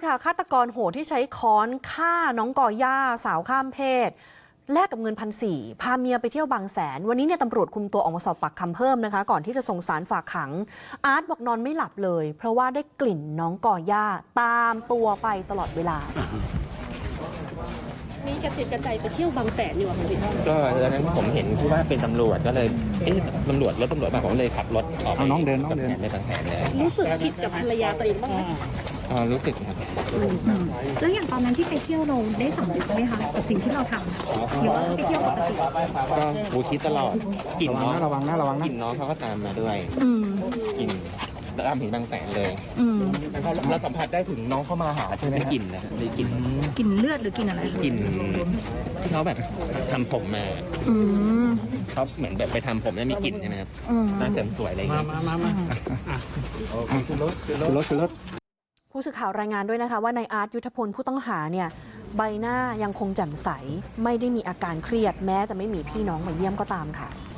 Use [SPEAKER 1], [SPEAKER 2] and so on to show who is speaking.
[SPEAKER 1] ค่ะฆาตกรโหดที่ใช้ค้อนฆ่าน้องกอย่าสาวข้ามเพศแลกกับเงิน1,400พาเมียไปเที่ยวบางแสนวันนี้เนี่ยตำรวจคุมตัวออกมาสอบปากคำเพิ่มนะคะก่อนที่จะส่งสารฝากขังอาร์ตบอกนอนไม่หลับเลยเพราะว่าได้กลิ่นน้องกอย่าตามตัวไปตลอดเวลา
[SPEAKER 2] มีกระติดกระใจไปเที่ยวบางแสนอยู่ค่ะพี่
[SPEAKER 3] ก็ตอนนั้นผมเห็นที่ว่าเป็นตำรวจก็เลยตำรวจรถมาผมเลยขับรถออกไป
[SPEAKER 4] น้องเดิน
[SPEAKER 3] ไปบางแสนเลย
[SPEAKER 2] รู้สึกผิดกับภรรยาตัวเองบ้างไหม
[SPEAKER 3] รู้สึกครับ
[SPEAKER 5] แล้วอย่างตอนนั้นที่ไปเที่ยวเราได้สำนึกไหมคะกับสิ่งที่เราทำหรือว่าไปเที่ยวปกติ
[SPEAKER 3] ก็หูคิดตลอดกลิ่นน้อง
[SPEAKER 4] ระวังนะ
[SPEAKER 3] กลิ่นน้องเขาก็ตามมาด้วยกลิ่นตามถึงบางแสนเลยเราสัมผัสได้ถึงน้องเข้ามาหาใช่ไหมกลิ่นนะมีกลิ่น
[SPEAKER 5] เลือดหรือกลิ่นอะไร
[SPEAKER 3] กลิ่นที่เขาแบบทำผมมาเขาเหมือนแบบไปทำผมแล้วมีกลิ่นใช่ไหมครับน่าเสริมสวยอะไรอย่างเงี้ย
[SPEAKER 4] คือรถ
[SPEAKER 1] ผู้สื่อข่าวรายงานด้วยนะคะว่านายอาร์ตยุทธพลผู้ต้องหาเนี่ยใบหน้ายังคงแจ่มใสไม่ได้มีอาการเครียดแม้จะไม่มีพี่น้องมาเยี่ยมก็ตามค่ะ